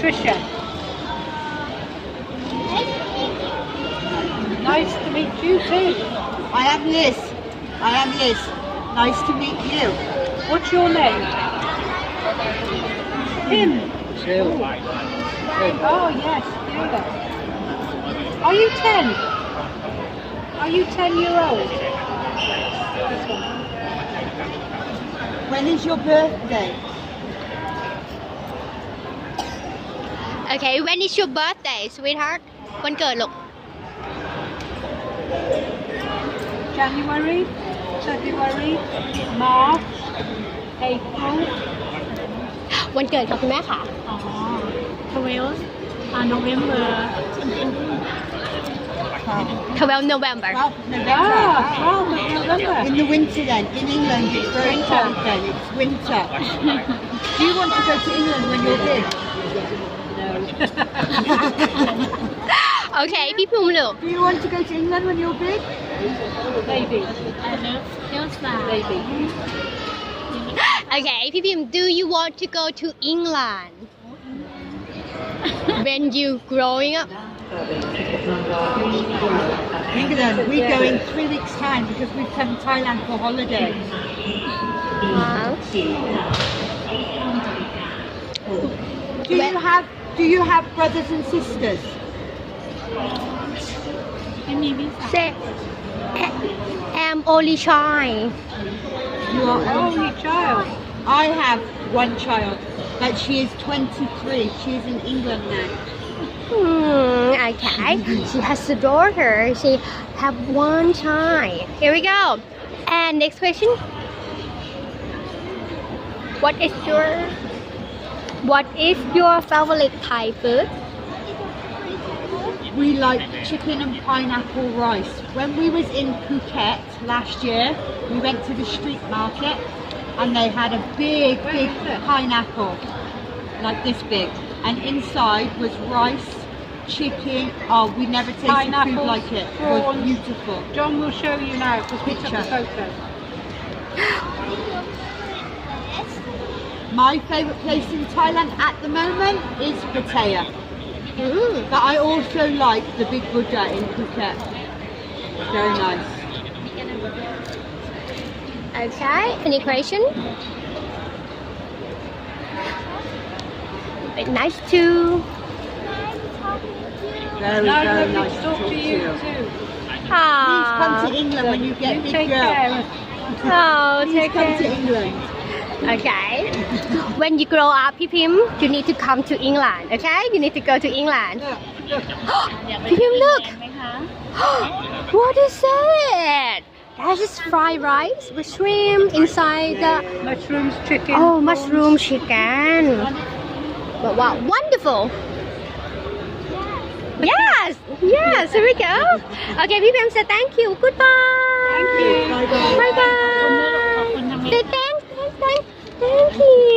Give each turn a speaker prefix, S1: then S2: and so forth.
S1: Patricia. Nice to meet you too.
S2: I am Liz. I am Liz. Nice to meet you.
S1: What's your name? Tim. Oh yes, Taylor. Are you 10? Are you 10-year-old? This one.
S2: When is your birthday?
S3: Okay, when is your birthday, sweetheart? วันเกิดลูก
S1: January, February, March, April.
S3: วันเกิดค่ะคุณแม่ค่ะ
S1: 12, November.
S3: 12 November
S2: Well, November.
S1: Ah, 12 November.
S2: In the winter then. In England it's very
S1: Winter.
S2: cold then. It's winter. Do you want to go to England when you're big?
S3: โอเค พี่ภูมิลูก
S2: Do you want to go to England when you're big?
S1: Maybe. Maybe.
S3: โอเค พี่พิมพ์ Do you want to go to England when you growing up
S2: England. We go in 3 weeks' time because we've come to Thailand for holiday. Do you have brothers and sisters?
S3: Say I'm only shy
S2: You are
S1: Only child.
S2: I have one child, but she is 23. She is in England now.
S3: Okay, she has a daughter. She have one child. Here we go. And next question. What is your favorite Thai food?
S2: We like chicken and pineapple rice. When we was in Phuket last year, we went to the street market and they had a big pineapple, like this big. And inside was rice, chicken. Oh, we never tasted
S1: Pineapple,
S2: food like it. It was
S1: prawns.
S2: beautiful.
S1: John will show you now because we took a photo.
S2: My favourite place in Thailand at the moment is Pattaya. But I also like the Big Buddha in Phuket. Very nice.
S3: Okay, any question? Nice to
S2: Very,
S1: No,
S2: very
S1: lovely
S2: nice
S1: to
S2: to
S1: talk
S2: talk
S1: to
S2: to
S1: you
S2: you.
S1: too.
S2: Please come to England when you get
S1: You
S2: big
S1: take
S2: girl.
S1: care.
S3: Oh,
S2: Please
S3: take
S2: come to
S3: care.
S2: England.
S3: Okay. When you grow up, Phi Phim, you need to come to England. Okay, you need to go to England. Phi Phim, look. What is it? That is fried rice with shrimp inside the.
S1: Mushrooms, chicken.
S3: Oh, mushroom chicken. Wow, wonderful. Yes, yes, here we go. Okay, Phi Phim said thank you. Goodbye.
S1: Thank you.
S2: Bye bye.
S3: Bye bye. Say thanks. Thank you.